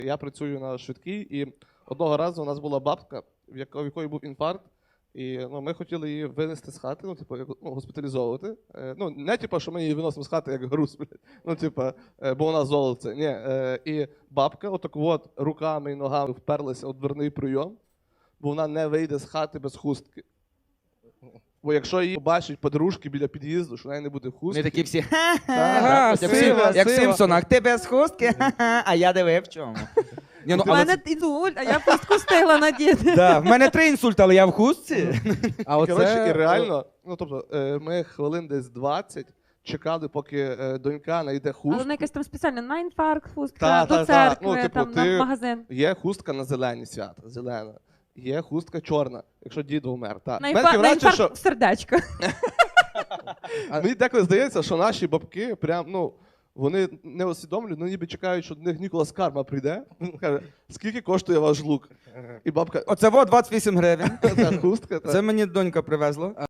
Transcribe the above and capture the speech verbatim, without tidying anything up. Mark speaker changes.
Speaker 1: Я працюю на швидкій, і одного разу у нас була бабка, в якої, в якої був інфаркт, і ну, ми хотіли її винести з хати, ну, типу, як, ну, госпіталізовувати. Е, ну, не типу, що ми її виносимо з хати як груз, блядь. Ну, типу, е, бо вона золоце. Ні. Е, і бабка отак от руками і ногами вперлася у дверний прийом, бо вона не вийде з хати без хустки. Бо якщо її побачать подружки біля під'їзду, що в неї не буде хустки.
Speaker 2: Ми такі всі,
Speaker 3: Ага,
Speaker 2: як,
Speaker 3: сила,
Speaker 2: всі, як в
Speaker 3: сила.
Speaker 2: Сімпсонах, ти без хустки, ха-ха, а я диви в чому. Ні, ну,
Speaker 4: У
Speaker 2: але
Speaker 4: мене інсульт, а я пустку встигла надіти.
Speaker 2: да, в мене три інсульти, але я в хустці.
Speaker 3: А оце...
Speaker 1: Коротше, і реально, ну тобто, е, ми хвилин десь двадцять чекали, поки е, донька знайде хустку.
Speaker 4: Але вона якась там спеціальна на інфаркт,
Speaker 1: Та,
Speaker 4: хустка,
Speaker 1: та,
Speaker 4: до
Speaker 1: та.
Speaker 4: церкви,
Speaker 1: Ну, типу,
Speaker 4: там,
Speaker 1: ти-
Speaker 4: на магазин.
Speaker 1: Є хустка на зелені свята, зелена. Є хустка чорна, якщо дід вмер. Та.
Speaker 4: На
Speaker 1: Мене таке
Speaker 4: інфаркт, на
Speaker 1: враження,
Speaker 4: інфаркт в сердечко.
Speaker 1: Мені деколи здається, що наші бабки прям, ну, вони не усвідомлюють, ну ніби чекають, що до них Ніколас Карма прийде. Каже, скільки коштує ваш лук? І бабка,
Speaker 2: Оце во двадцять вісім гривень.
Speaker 1: та хустка. Та.
Speaker 2: Це мені донька привезла.